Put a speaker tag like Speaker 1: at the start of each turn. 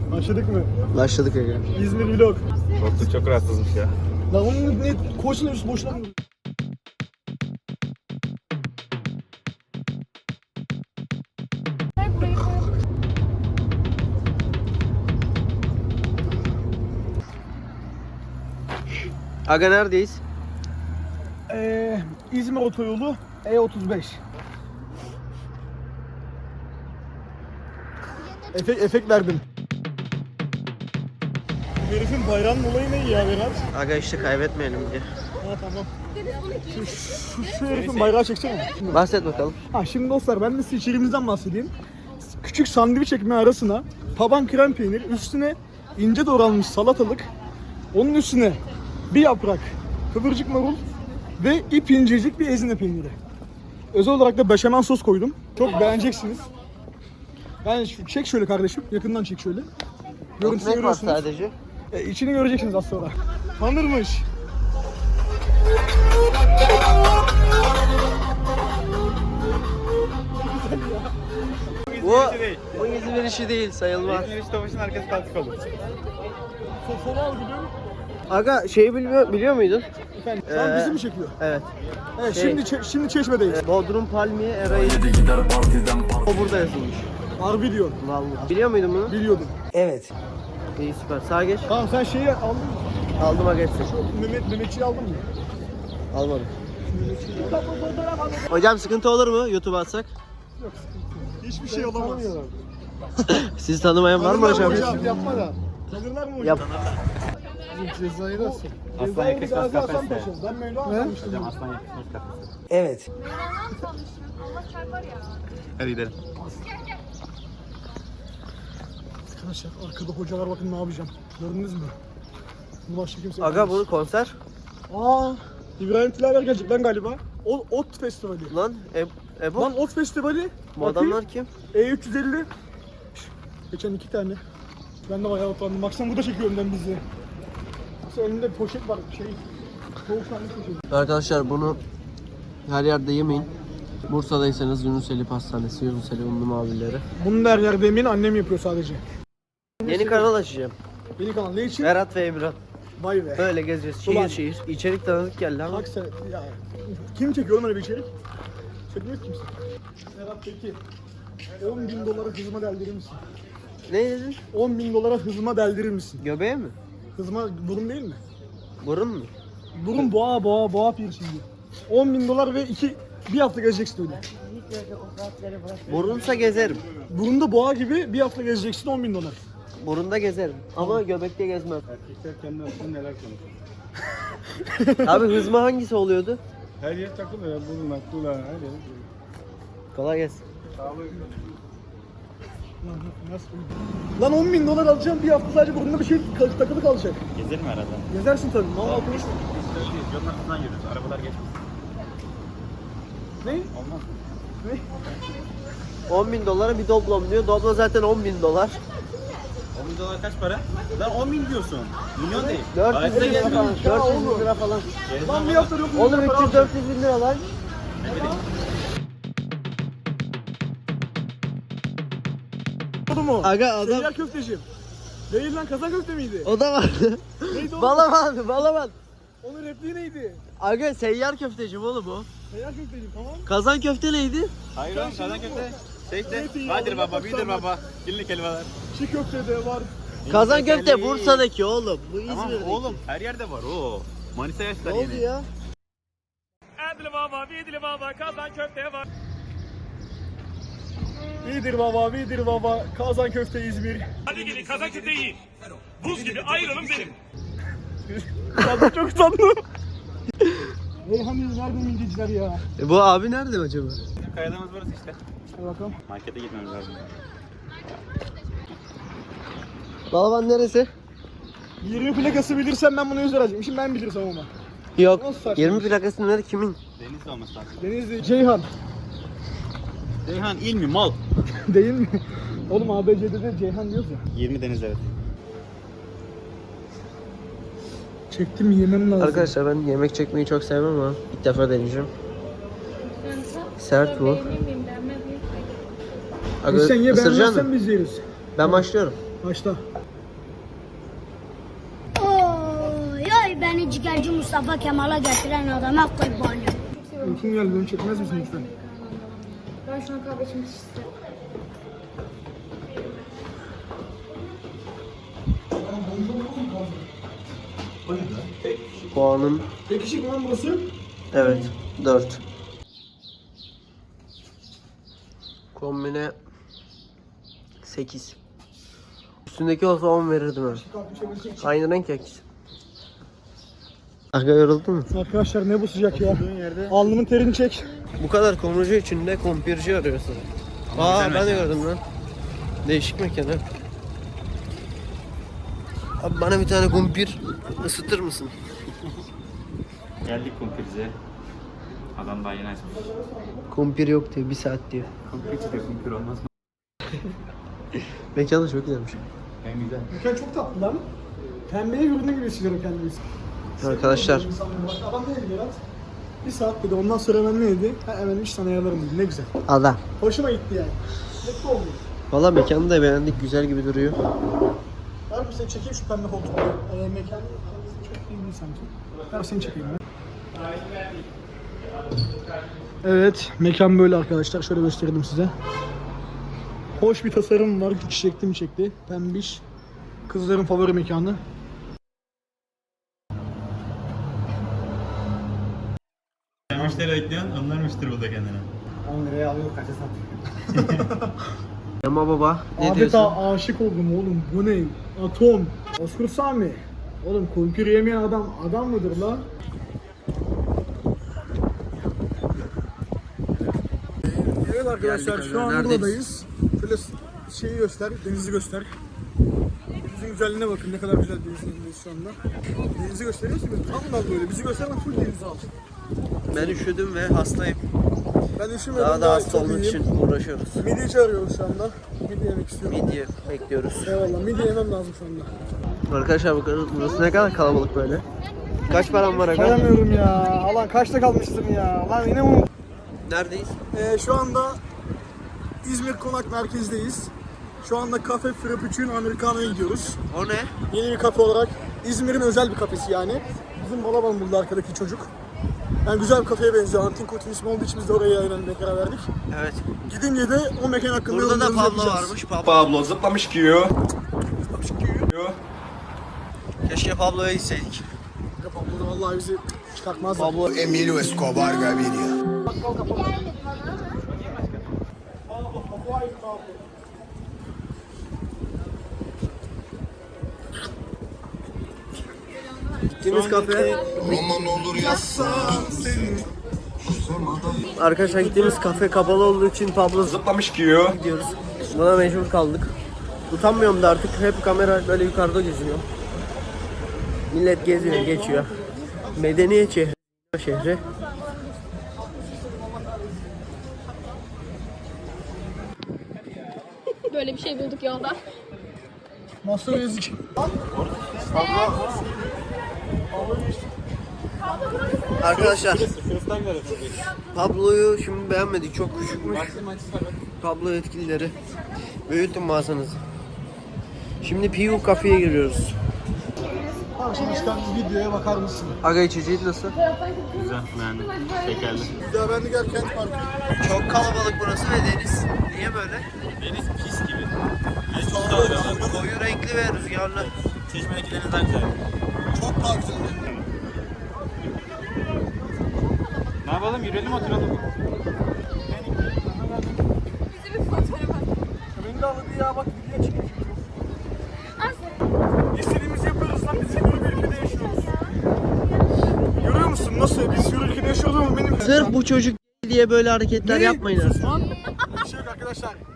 Speaker 1: Başladık mı?
Speaker 2: Başladık Ege.
Speaker 1: İzmir vlog.
Speaker 3: Koltuk çok rahatsızmış ya.
Speaker 1: Lan onun ne koçla üst boşuna mı?
Speaker 2: Aga neredeyiz?
Speaker 1: İzmir otoyolu E35. Efekt verdim. Herifin bayrağının olayı ne ya Berat?
Speaker 2: Aga işte kaybetmeyelim diye.
Speaker 1: Ha tamam. Şu herifin bayrağı çeksene.
Speaker 2: Bahset bakalım.
Speaker 1: Ha şimdi dostlar ben de size içeriğimizden bahsedeyim. Küçük sandviç ekmeği arasına taban krem peynir, üstüne ince doğranmış salatalık, onun üstüne bir yaprak kıvırcık marul ve ip incecik bir ezine peyniri. Özel olarak da beşamel sos koydum. Çok beğeneceksiniz. Yani çek şöyle kardeşim, yakından çek şöyle. Görüntüsü
Speaker 2: Ekmek var
Speaker 1: görüyorsunuz.
Speaker 2: sadece.
Speaker 1: İçini göreceksiniz az sonra. Tanırmış.
Speaker 2: Bu İzmir işi değil sayılmaz.
Speaker 3: İzmir işte başın arkası kalkık olur.
Speaker 1: Sola al gidiyor.
Speaker 2: Aga şeyi biliyor muydun?
Speaker 1: Efendim, şu an bizi mi çekiyor?
Speaker 2: Evet.
Speaker 1: Evet,
Speaker 2: Şey-
Speaker 1: şimdi Çeşme'deyiz.
Speaker 2: Bodrum Palmiye Eray'ı. O burada yazılmış.
Speaker 1: Harbi diyor.
Speaker 2: Vallahi. Biliyor muydun bunu?
Speaker 1: Biliyordum.
Speaker 2: Evet. İyi süper. Sağa geç.
Speaker 1: Tamam sen şeyi aldın mı?
Speaker 2: Aldım aga hepsini.
Speaker 1: Mehmetçiyi aldın mı?
Speaker 2: Almadım. Hocam sıkıntı olur mu YouTube'a atsak?
Speaker 1: Yok sıkıntı. Hiçbir şey olamaz.
Speaker 2: Sizi tanımayan var mı hocam?
Speaker 1: Yapma da. Tanırlar mı hocam?
Speaker 2: Yap.
Speaker 1: Cezayı nasıl?
Speaker 3: Aslan
Speaker 1: Cezayı
Speaker 3: yakışmaz
Speaker 1: Gazi Hasan
Speaker 3: kafeste.
Speaker 1: Paşa. Ben Mevlana sanmıştım.
Speaker 3: Hocam aslan yakışmış kafesi.
Speaker 2: Evet.
Speaker 4: Allah çarpar ya.
Speaker 3: Hadi gidelim.
Speaker 1: Arkadaşlar arkada hocalar bakın ne yapacağım. Gördünüz mü? Bu başka kimse
Speaker 2: Aga
Speaker 1: yapamaz.
Speaker 2: bunu konser.
Speaker 1: Aa, İbrahim Tilaver gelecek lan galiba. Ot Festivali.
Speaker 2: Lan Ebo.
Speaker 1: Lan Ot Festivali.
Speaker 2: Bu adamlar kim?
Speaker 1: E350. Geçen 2 tane. Ben de bayağı utandım. Baksana burada çekiyor önden bizi. Mesela önünde bir poşet var. Soğuk tane poşet.
Speaker 2: Arkadaşlar bunu her yerde yemeyin. Bursa'daysanız Yunuseli Pastanesi, Yunuseli Unlu Mavileri.
Speaker 1: Bunu da her yerde yemeyin, annem yapıyor sadece.
Speaker 2: Yeni kanal açacağım.
Speaker 1: Yeni kanal ne için?
Speaker 2: Berat ve Emirhan.
Speaker 1: Vay be.
Speaker 2: Böyle gezeceğiz
Speaker 1: Ulan.
Speaker 2: şehir şehir. İçerik tanıdık geldi ama.
Speaker 1: Bak sen ya. Kim çekiyor oğlum öyle bir içerik? Çekmiyor kimse. Serhat peki. 10.000 dolara hızıma deldirir misin?
Speaker 2: Ne dedin?
Speaker 1: 10.000 dolara hızıma deldirir misin?
Speaker 2: Göbeğe mi?
Speaker 1: Hızıma burun değil mi?
Speaker 2: Burun mu?
Speaker 1: Burun boğa piercingi. 10.000 dolar ve bir hafta gezeceksin öyle.
Speaker 2: Burunsa gezerim.
Speaker 1: Burunda boğa gibi bir hafta gezeceksin 10.000 dolar.
Speaker 2: Burunda gezerim. Ama göbekte gezmem.
Speaker 3: Erkekler kendi arasında neler konuşuyor.
Speaker 2: Abi hızma hangisi oluyordu?
Speaker 3: Her yer takılıyor ya. Burun, aklılar, her yer.
Speaker 2: Kolay gelsin.
Speaker 1: Lan 10.000 dolar alacağım bir hafta sadece burnunda bir şey takılı kalacak.
Speaker 3: Gezelim herhalde.
Speaker 1: Gezersin tabii. Mal konuşma.
Speaker 3: Biz öyleyiz. Yolun altından yürüyoruz. Arabalar geçmiş.
Speaker 1: Ne?
Speaker 3: Olmaz.
Speaker 1: Ne?
Speaker 2: 10.000 dolara bir doblom diyor. Doblo zaten 10.000 dolar.
Speaker 3: 10.000 dolar kaç para? Lan 10.000 diyorsun. Milyon değil.
Speaker 2: 400
Speaker 3: Ayda
Speaker 2: lira falan.
Speaker 3: gezmiyor.
Speaker 2: 400 lira falan.
Speaker 1: Lan bir hafta yok.
Speaker 2: Oğlum 300-400 bin lira lan.
Speaker 1: Oldu mu?
Speaker 2: Aga adam.
Speaker 1: Seyyar köfteci. Değil lan kazan köfte miydi?
Speaker 2: O da vardı.
Speaker 1: Neydi o?
Speaker 2: Balaban.
Speaker 1: Onun repliği neydi?
Speaker 2: Aga seyyar köfteci mi oğlum o?
Speaker 1: Seyyar köfteci tamam.
Speaker 2: Kazan köfte neydi?
Speaker 3: Hayır oğlum kazan köfte.
Speaker 1: Zeytin
Speaker 3: Tekte.
Speaker 1: yağı,
Speaker 3: Vadir baba,
Speaker 1: yaprak
Speaker 3: bidir
Speaker 1: sarma.
Speaker 3: baba. Dillik helvalar.
Speaker 1: Çiğ köfte de var.
Speaker 2: Kazan köfte
Speaker 3: Dillik
Speaker 2: Bursa'daki oğlum. Bu
Speaker 3: Tamam
Speaker 2: İzmir'deki.
Speaker 3: oğlum her yerde var o. Manisa
Speaker 2: Ne
Speaker 3: yaşlar
Speaker 2: oldu
Speaker 3: yeni.
Speaker 2: ya?
Speaker 5: Adlı baba, vidli baba, kazan köfte var.
Speaker 1: Vidir baba, kazan köfte İzmir.
Speaker 5: Hadi gidin kazan köfte yiyin. Buz gibi ayrılın benim.
Speaker 1: Kazan çok utandım. Reyhan nerede midyeciler ya?
Speaker 2: Bu abi nerede acaba?
Speaker 3: Bizim kayalığımız burası işte.
Speaker 1: Hadi bakalım.
Speaker 3: Markete gitmemiz lazım.
Speaker 2: Balaban neresi?
Speaker 1: 20 plakası bilirsem ben bunu 100 lira alacağım. Şimdi ben bilirsem ama.
Speaker 2: Yok.
Speaker 1: Nasıl saçma?
Speaker 2: 20 plakası nerede kimin?
Speaker 3: Denizli olması lazım.
Speaker 1: Denizli, Ceyhan.
Speaker 3: Ceyhan il mi mal?
Speaker 1: Değil mi? Oğlum ABC'de de Ceyhan diyoruz ya.
Speaker 3: 20 deniz evet.
Speaker 1: Çektim yemem lazım.
Speaker 2: Arkadaşlar ben yemek çekmeyi çok sevmem ama ilk defa deneyeceğim. Sert bu. Aga
Speaker 1: Sen ye
Speaker 2: ısıracaksın
Speaker 1: beğenmezsen
Speaker 2: mı?
Speaker 1: biz yeriz.
Speaker 2: Ben başlıyorum.
Speaker 1: Başla.
Speaker 6: Oy oy beni ciğerci Mustafa Kemal'a getiren adama kurbanım.
Speaker 1: Uykum geldi, beni çekmez misin lütfen?
Speaker 4: Ben şu an kahve içmek istiyorum.
Speaker 2: Puanım
Speaker 1: Tek kişi mi lan burası?
Speaker 2: evet 4. Kombine 8. Üstündeki olsa 10 verirdim ben. Aynı renk ya ikisi. Aga yoruldun mu?
Speaker 1: Arkadaşlar ne bu sıcak ya? Alnımın terini çek.
Speaker 2: Bu kadar komurcu içinde kumpirci arıyorsun. Aa ben de gördüm lan. Değişik mekan ha. Abi bana bir tane kumpir ısıtır mısın?
Speaker 3: Geldik kumpirciye. Adam daha yeni açmış.
Speaker 2: Kumpir yok diyor, 1 saat diyor.
Speaker 3: Kumpirci de kumpir olmaz mı?
Speaker 2: Mekan da çok güzelmiş.
Speaker 3: En güzel.
Speaker 1: Mekan çok tatlı lan. Pembeye ürünü gibi hissediyorum kendimi.
Speaker 2: Arkadaşlar
Speaker 1: Adam ne dedi Berat? 1 saat dedi, ondan sonra hemen ne dedi? Hemen iş sana ayarlarım dedi, ne güzel.
Speaker 2: adam.
Speaker 1: Hoşuma gitti yani. Mutlu oldum.
Speaker 2: Valla mekanı da beğendik, güzel gibi duruyor.
Speaker 1: Var mı seni çekeyim şu pembe koltukları? Mekan çok iyi değil sanki. Ver seni çekeyim ben. Evet, mekan böyle arkadaşlar. Şöyle göstereyim size. Hoş bir tasarım var. Çiçekli mi çekti? Pembiş. Kızların favori mekanı.
Speaker 3: Sen müşteri bekliyorsun, onlar müşteri buldu kendine.
Speaker 1: 10 liraya alıyor, kaça satıyor?
Speaker 2: Ama baba ne
Speaker 1: Adeta
Speaker 2: diyorsun?
Speaker 1: aşık oldum oğlum. Bu ne? Atom. Oscar Sami. Oğlum kumpir yemeyen adam mıdır la? Evet arkadaşlar,
Speaker 2: Geldik
Speaker 1: şu an
Speaker 2: aga, neredeyiz?
Speaker 1: buradayız. Şöyle şeyi göster, denizi göster. Denizin güzelliğine bakın, ne kadar güzel denizdeyiz şu anda. Denizi gösteriyor musun? Tam da böyle, bizi gösterme, full denizi al.
Speaker 2: Ben üşüdüm ve hastayım.
Speaker 1: Ben üşümedim,
Speaker 2: Daha da hasta
Speaker 1: çok
Speaker 2: olmak
Speaker 1: iyiyim.
Speaker 2: için uğraşıyoruz.
Speaker 1: Midye arıyoruz şu anda. Midye yemek istiyorum.
Speaker 2: Midye bekliyoruz.
Speaker 1: Eyvallah, midye yemem lazım şu anda.
Speaker 2: Arkadaşlar bakın burası ne kadar kalabalık böyle. Kaç param var aga?
Speaker 1: Sayamıyorum ya. Lan kaçta kalmıştım ya. Lan yine unuttum.
Speaker 2: Neredeyiz?
Speaker 1: Şu anda İzmir Konak merkezdeyiz. Şu anda Cafe Frappuccino Americano'ya gidiyoruz.
Speaker 2: O ne?
Speaker 1: Yeni bir kafe olarak. İzmir'in özel bir kafesi yani. Bizim Balaban buldu arkadaki çocuk. Yani güzel bir kafeye benziyor. Antin ismi olduğu için biz de oraya aynen karar verdik.
Speaker 2: Evet.
Speaker 1: Gidince de o mekan hakkında
Speaker 2: Burada da
Speaker 1: yorumlarımızı
Speaker 2: Pablo
Speaker 1: yapacağız.
Speaker 2: varmış. Pablo.
Speaker 3: Pablo zıplamış giyiyor.
Speaker 2: Keşke Pablo'ya gitseydik.
Speaker 1: Pablo da vallahi bizi çıkartmaz.
Speaker 2: Pablo
Speaker 7: Emilio Escobar Gaviria.
Speaker 2: gittiğimiz kafe.
Speaker 7: Roman olur yazsan senin.
Speaker 2: Arkadaşlar gittiğimiz kafe kapalı olduğu için Pablo
Speaker 3: Zıplamış giyiyor.
Speaker 2: gidiyoruz. Buna mecbur kaldık. Utanmıyorum da artık, hep kamera böyle yukarıda geziyor. Millet geziyor, geçiyor. Medeniyet şehri.
Speaker 4: Böyle bir şey bulduk yolda.
Speaker 1: Master Ezik.
Speaker 2: Arkadaşlar Pablo'yu şimdi beğenmedik, çok küçükmüş. Pablo yetkilileri büyütün mağazanızı. Şimdi Piyu kafeye giriyoruz.
Speaker 1: Tamam, şimdi çıkan videoya bakar mısın?
Speaker 2: Aga içeceği nasıl?
Speaker 3: Güzel, beğendim. Şekerli.
Speaker 1: Bir daha ben de gel Kent Parkı.
Speaker 2: Çok kalabalık burası ve deniz. Niye böyle?
Speaker 3: Deniz pis gibi. Deniz çok dalgalı.
Speaker 2: Koyu renkli ve rüzgarlı.
Speaker 3: Çeşmedeki denizden güzel.
Speaker 1: Çok daha güzel.
Speaker 3: Ne yapalım, yürüyelim oturalım.
Speaker 4: Bizi bir fotoğraf at.
Speaker 1: Beni de aldı ya, bak video çekiyor. İstediğimizi yapıyoruz lan, biz yürü bir ülkede yaşıyoruz. Görüyor musun nasıl? Biz yürü ülkede yaşıyoruz ama benim...
Speaker 2: Sırf bu çocuk diye böyle hareketler yapmayın artık.
Speaker 1: Sus lan. Bir şey yok arkadaşlar.